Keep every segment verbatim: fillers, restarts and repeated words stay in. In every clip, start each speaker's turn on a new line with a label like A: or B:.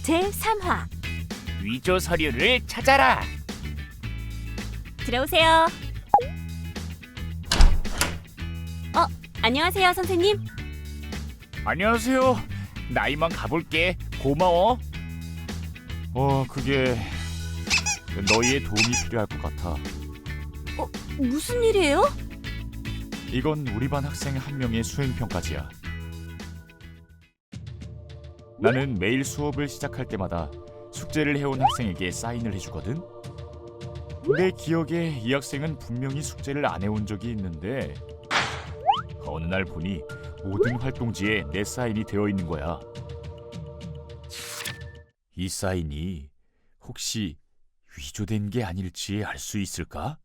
A: 제삼 화
B: 위조 서류를 찾아라.
A: 들어오세요. 어, 안녕하세요, 선생님.
B: 안녕하세요. 나 이만 가볼게. 고마워. 어, 그게 너희의 도움이 필요할 것 같아.
A: 어, 무슨 일이에요?
B: 이건 우리 반 학생 한 명의 수행평가지야. 나는 매일 수업을 시작할 때마다 숙제를 해온 학생에게 사인을 해주거든. 내 기억에 이 학생은 분명히 숙제를 안 해온 적이 있는데 어느 날 보니 모든 활동지에 내 사인이 되어 있는 거야. 이 사인이 혹시 위조된 게 아닐지 알 수 있을까?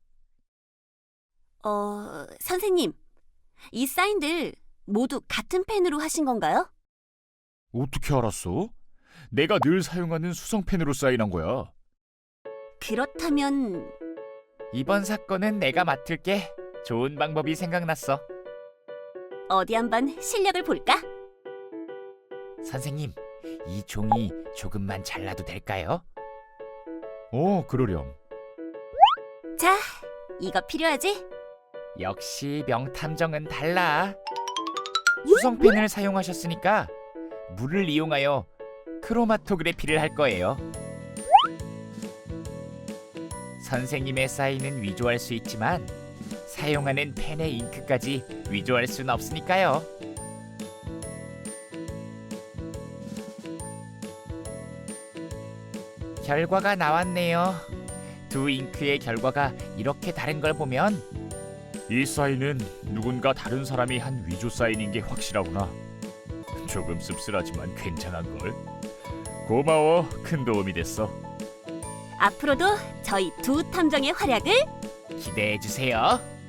A: 어, 선생님, 이 사인들 모두 같은 펜으로 하신 건가요?
B: 어떻게 알았어? 내가 늘 사용하는 수성펜으로 사인한 거야.
A: 그렇다면
B: 이번 사건은 내가 맡을게. 좋은 방법이 생각났어.
A: 어디 한번 실력을 볼까?
B: 선생님, 이 종이 조금만 잘라도 될까요? 어, 그러렴.
A: 자, 이거 필요하지?
B: 역시 명탐정은 달라. 수성펜을 사용하셨으니까 물을 이용하여 크로마토그래피를 할 거예요. 선생님의 사인은 위조할 수 있지만 사용하는 펜의 잉크까지 위조할 수는 없으니까요. 결과가 나왔네요. 두 잉크의 결과가 이렇게 다른 걸 보면 이 사인은 누군가 다른 사람이 한 위조 사인인 게 확실하구나. 조금 씁쓸하지만 괜찮은걸. 고마워. 큰 도움이 됐어.
A: 앞으로도 저희 두 탐정의 활약을
B: 기대해 주세요.